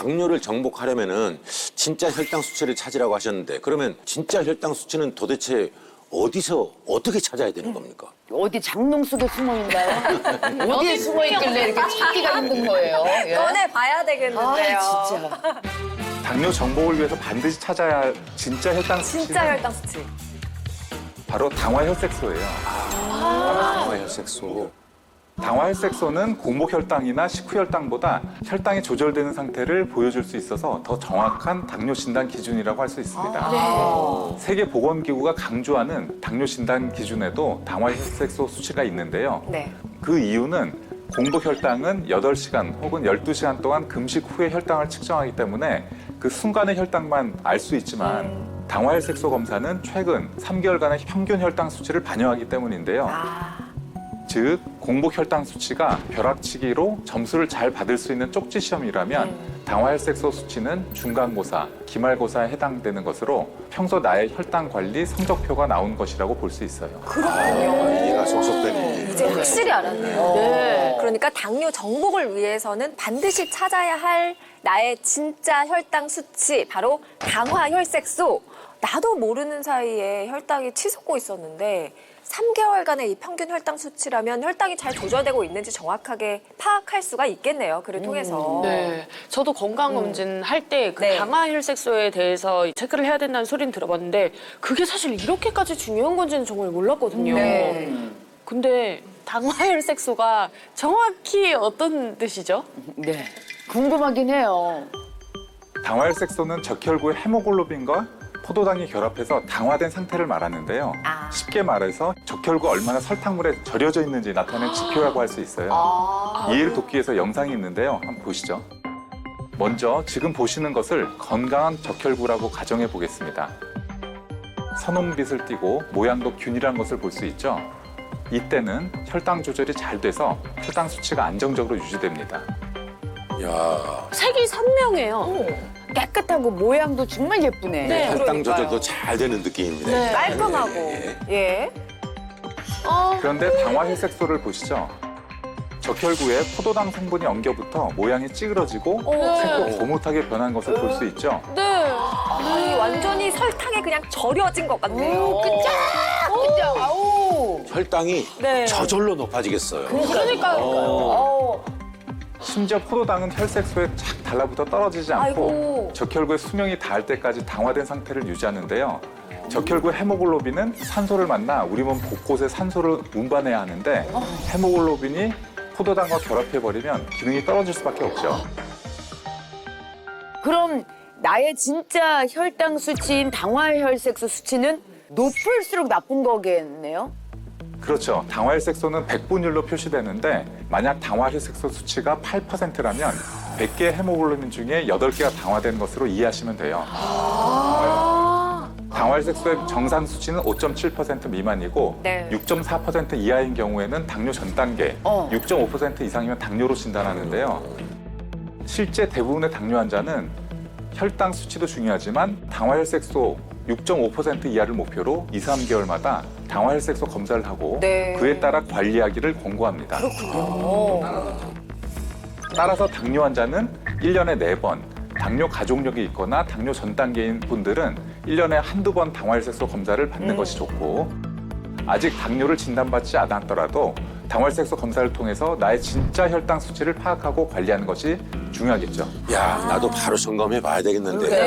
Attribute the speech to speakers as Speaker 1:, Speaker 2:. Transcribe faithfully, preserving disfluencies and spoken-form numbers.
Speaker 1: 당뇨를 정복하려면은 진짜 혈당 수치를 찾으라고 하셨는데 그러면 진짜 혈당 수치는 도대체 어디서 어떻게 찾아야 되는 겁니까?
Speaker 2: 어디 장롱 속에 숨어 있나요? 어디에 숨어 있길래 이렇게 찾기가 힘든 거예요? 예?
Speaker 3: 꺼내 봐야 되겠는데요.
Speaker 2: 아, 진짜.
Speaker 4: 당뇨 정복을 위해서 반드시 찾아야 할 진짜 혈당 수치는
Speaker 3: 진짜 혈당 수치.
Speaker 4: 바로 당화혈색소예요.
Speaker 1: 아, 혈색소.
Speaker 4: 당화혈색소는 공복혈당이나 식후혈당보다 혈당이 조절되는 상태를 보여줄 수 있어서 더 정확한 당뇨 진단 기준이라고 할 수 있습니다. 세계보건기구가 강조하는 당뇨 진단 기준에도 당화혈색소 수치가 있는데요.
Speaker 3: 네.
Speaker 4: 그 이유는 공복혈당은 여덟 시간 혹은 열두 시간 동안 금식 후에 혈당을 측정하기 때문에 그 순간의 혈당만 알 수 있지만 당화혈색소 검사는 최근 삼 개월간의 평균 혈당 수치를 반영하기 때문인데요. 즉 공복 혈당 수치가 벼락치기로 점수를 잘 받을 수 있는 쪽지 시험이라면 당화혈색소 수치는 중간고사, 기말고사에 해당되는 것으로 평소 나의 혈당 관리 성적표가 나온 것이라고 볼 수 있어요.
Speaker 1: 아, 이해가 쏙쏙 되네.
Speaker 3: 이제 확실히 알았네요.
Speaker 2: 네.
Speaker 3: 그러니까 당뇨 정복을 위해서는 반드시 찾아야 할 나의 진짜 혈당 수치, 바로 당화혈색소. 나도 모르는 사이에 혈당이 치솟고 있었는데 삼 개월간의 이 평균 혈당 수치라면 혈당이 잘 조절되고 있는지 정확하게 파악할 수가 있겠네요. 글을 통해서.
Speaker 5: 네, 저도 건강검진 할 때 그
Speaker 3: 네.
Speaker 5: 당화혈색소에 대해서 체크를 해야 된다는 소리는 들어봤는데 그게 사실 이렇게까지 중요한 건지는 정말 몰랐거든요.
Speaker 3: 네.
Speaker 5: 근데 당화혈색소가 정확히 어떤 뜻이죠?
Speaker 2: 네. 궁금하긴 해요.
Speaker 4: 당화혈색소는 적혈구의 헤모글로빈과 포도당이 결합해서 당화된 상태를 말하는데요.
Speaker 3: 아.
Speaker 4: 쉽게 말해서 적혈구가 얼마나 설탕물에 절여져 있는지 나타내는 지표라고 할 수 있어요. 이해를 돕기 위해서 영상이 있는데요. 한번 보시죠. 먼저 지금 보시는 것을 건강한 적혈구라고 가정해 보겠습니다. 선홍빛을 띠고 모양도 균일한 것을 볼 수 있죠. 이때는 혈당 조절이 잘 돼서 혈당 수치가 안정적으로 유지됩니다.
Speaker 1: 야,
Speaker 5: 색이 선명해요.
Speaker 2: 깨끗하고 모양도 정말 예쁘네.
Speaker 5: 네.
Speaker 1: 혈당 조절도 잘 되는 느낌입니다.
Speaker 5: 네.
Speaker 3: 깔끔하고.
Speaker 1: 예, 예.
Speaker 3: 예.
Speaker 5: 어,
Speaker 4: 그런데 당화혈색소를 보시죠. 적혈구에 포도당 성분이 엉겨붙어 모양이 찌그러지고 색도 거뭇하게 변한 것을 볼 수 있죠.
Speaker 5: 네.
Speaker 3: 아니, 완전히 설탕에 그냥 절여진 것 같네요.
Speaker 2: 그죠? 아우.
Speaker 1: 혈당이
Speaker 3: 네.
Speaker 1: 저절로 높아지겠어요.
Speaker 5: 그러니까요.
Speaker 1: 어.
Speaker 4: 심지어 포도당은 혈색소에 착 달라붙어 떨어지지 않고
Speaker 3: 아이고.
Speaker 4: 적혈구의 수명이 닿을 때까지 당화된 상태를 유지하는데요. 적혈구 헤모글로빈은 산소를 만나 우리 몸 곳곳에 산소를 운반해야 하는데 헤모글로빈이 포도당과 결합해버리면 기능이 떨어질 수밖에 없죠.
Speaker 2: 그럼 나의 진짜 혈당 수치인 당화혈색소 수치는 높을수록 나쁜 거겠네요?
Speaker 4: 그렇죠. 당화혈색소는 백분율로 표시되는데 만약 당화혈색소 수치가 팔 퍼센트라면 백 개의 헤모글로빈 중에 여덟 개가 당화된 것으로 이해하시면 돼요. 당화혈색소의 정상 수치는 오 점 칠 퍼센트 미만이고
Speaker 3: 네.
Speaker 4: 육 점 사 퍼센트 이하인 경우에는 당뇨 전 단계,
Speaker 2: 어.
Speaker 4: 육 점 오 퍼센트 이상이면 당뇨로 진단하는데요. 실제 대부분의 당뇨 환자는 혈당 수치도 중요하지만 당화혈색소 육 점 오 퍼센트 이하를 목표로 이, 삼 개월마다 당화혈색소 검사를 하고
Speaker 3: 네.
Speaker 4: 그에 따라 관리하기를 권고합니다. 따라서 당뇨 환자는 일 년에 네 번, 당뇨 가족력이 있거나 당뇨 전 단계인 분들은 일 년에 한두 번 당화혈색소 검사를 받는
Speaker 3: 음.
Speaker 4: 것이 좋고 아직 당뇨를 진단받지 않았더라도 당화혈색소 검사를 통해서 나의 진짜 혈당 수치를 파악하고 관리하는 것이 중요하겠죠.
Speaker 1: 야, 나도 바로 점검해 봐야 되겠는데.